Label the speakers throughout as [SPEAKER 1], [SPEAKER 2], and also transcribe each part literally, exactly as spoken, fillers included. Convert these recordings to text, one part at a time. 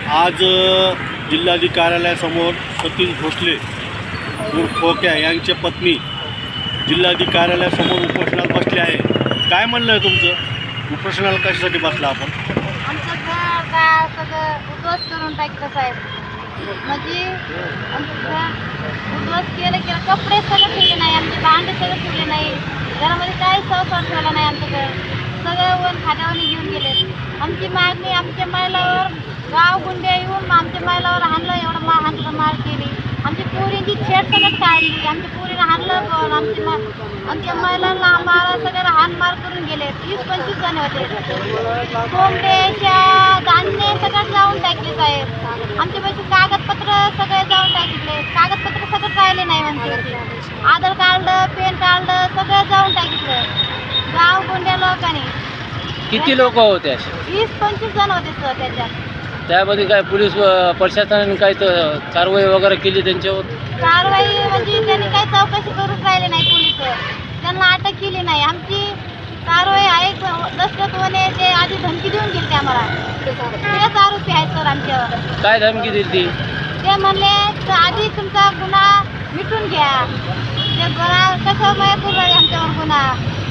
[SPEAKER 1] आज अ, जिल्हाधिकारी कार्यालयासमोर सतीश भोसले उर्फ खोक्या यांच्या पत्नी जिल्हाधिकारी कार्यालयासमोर उपोषणाला बसले आहे. काय म्हणणं आहे तुमचं? उपोषणाला कशासाठी बसला आपण?
[SPEAKER 2] आमचं घर काय सगळं उद्ध्वस्त करून टाकलं साहेब. म्हणजे आमचं घर उद्ध्वस्त केलं केलं कपडे सगळं ठेवले नाही, आमचे भांडे सगळं ठेवले नाही, घरामध्ये काही संसार ठेवला नाही. आमचं घर सगळं वन खाद्यावर घेऊन गेले. आमची मागणी आमच्या महिलावर गाव गुंडे येऊन आमच्या महिलावर हाणलं, एवढं मा हाणलं मार केली. आमची पोरींची छेड सगळं काढली, आमच्या पोरीनं हाणलं पण आमची मा आमच्या महिलांना आम्हाला सगळ्याला हाण मार करून गेले. वीस पंचवीस जण होते. कोंबड्याच्या धान्य सगळं जाऊन टाकले साहेब. आमचे पैसे कागदपत्र सगळे जाऊन टाकले. कागदपत्र सगळं राहिले नाही म्हणजे आधार कार्ड पॅन कार्ड सगळं जाऊन टाकितलं गाव गुंड्या लोकांनी.
[SPEAKER 3] किती लोक होते असे?
[SPEAKER 2] वीस पंचवीस जण होते सर त्याच्यात.
[SPEAKER 3] त्यामध्ये काय पोलीस व प्रशासनाने काही तर कारवाई वगैरे केली त्यांच्यावर?
[SPEAKER 2] कारवाई म्हणजे त्यांनी काही चौकशी करून राहिले नाही. पोलिस त्यांना अटक केली नाही. आमची कारवाई आहे. दशरथ वने ते आधी धमकी देऊन गेले आम्हाला. तेच आरोपी आहेत सर आमच्यावर.
[SPEAKER 3] काय धमकी दिली ती?
[SPEAKER 2] ते म्हणले "तर आधी तुमचा गुन्हा मिटून घ्या." ते गुन्हा कसं माहीत करू राहिले आमच्यावर गुन्हा.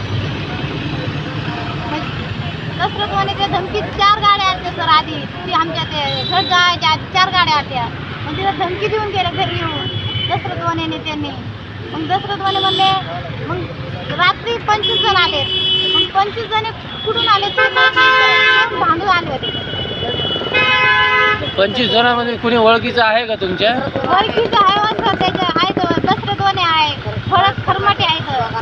[SPEAKER 2] दशरथ वने ते धमकी चार गाड्या आल्या सर आधी. ती आमच्या ते घर जायच्या आधी चार गाड्या आल्या. मग तिला धमकी देऊन गेले घरी येऊन दशरथ वनेने त्यांनी. मग दशरथ वने म्हणले मग रात्री पंचवीस जण आले. मग पंचवीस जण कुठून आले ते भांडून आले होते.
[SPEAKER 3] पंचवीस जणांमध्ये कुणी ओळखीचं आहे का तुमच्या?
[SPEAKER 2] ओळखीचं आहे सर त्याच्या आहेत. दशरथ वने आहे, फळत खरमाटे आहेत.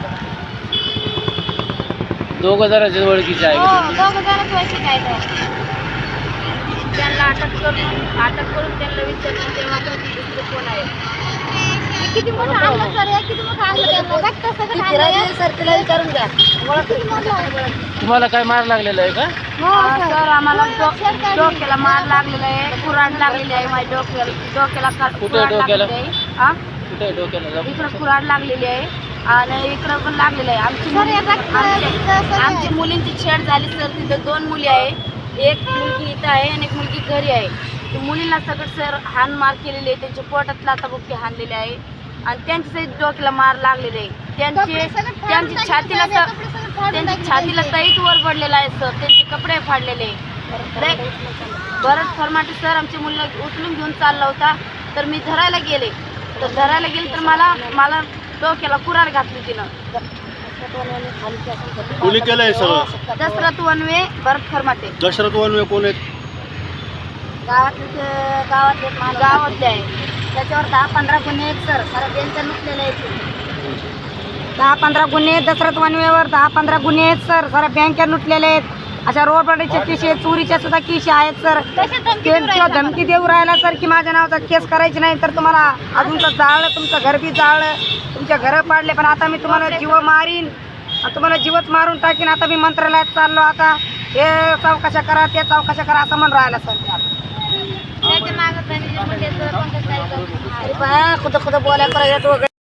[SPEAKER 3] दोघं जणांचे ओळखीचे आहे
[SPEAKER 2] हो
[SPEAKER 3] का?
[SPEAKER 2] दोघं जणच ओळखीचे आहेत. त्यांना अटक करून अटक करून त्यांना विचारलं तेव्हा कोण आहे किती मोठं आणलं सर. हे किती मोठं आणलं त्यांना रक्त सगळं आणलं सर. तिला विचारून घ्या किती मोठं आहे.
[SPEAKER 3] तुम्हाला काय मार लागलेला आहे का?
[SPEAKER 2] हो सर आम्हाला डोक्याला मार लागलेला आहे, कुऱ्हाड लागलेली आहे. माझ्या डोक्याला डोक्याला
[SPEAKER 3] कुठे
[SPEAKER 2] कुऱ्हाड
[SPEAKER 3] डोक्याला?
[SPEAKER 2] लागलेली आहे. हा
[SPEAKER 3] कुठे डोक्याला जाऊ?
[SPEAKER 2] इकडं कुऱ्हाड लागलेली आहे आणि इकडं पण लागलेलं आहे. आमची आमच्या आमच्या मुलींची छेड झाली सर. तिथं दोन मुली आहे, एक मुलगी इथं आहे आणि एक मुलगी घरी आहे. त्या मुलींना सगळं सर हाण मार केलेली आहे. त्यांच्या पोटात लाथाबुक्की हाणलेले आहे आणि त्यांच्या सहित डोक्याला मार लागलेले आहे. त्यांचे त्यांची छातीला त्यांची छातीला सहित वर पडलेला आहे सर. त्यांचे कपडे फाडलेले. भरत फरमाटे सर आमच्या मुलीला उचलून घेऊन चालला होता. तर मी धरायला गेले तर धरायला गेले तर मला मला डोक्याला कुऱ्हाड घातली तिनं.
[SPEAKER 1] कोणी केलंय सगळं?
[SPEAKER 2] दशरथ वनवे भरत फरमाटे.
[SPEAKER 1] दशरथ वनवे कोण आहेत?
[SPEAKER 2] गावातले गावातले गावातले आहे. त्याच्यावर दहा पंधरा गुन्हे आहेत सर. सारा बेंच लुटलेले आहेत. दहा पंधरा गुन्हे दशरथ वनवेवर दहा पंधरा गुन्हे आहेत सर. सारा बँका लुटलेले आहेत. अशा रोडचे किशे चोरीच्या सुद्धा किशे आहेत सर. ते धमकी देऊ राहिला सर की माझ्या नावाचा केस करायची नाही तर तुम्हाला अजून तर जाळलं, तुमचं घर बी जाळलं, तुमच्या घरं पाडले. पण आता मी तुम्हाला जीव मारीन, तुम्हाला जीवच मारून टाकीन. आता मी मंत्रालयात चाललो. आता हे चौकशा करा ते चौकशा करा असं म्हणून राहिला सर. त्याच्या मागं खुद खुद बोलायला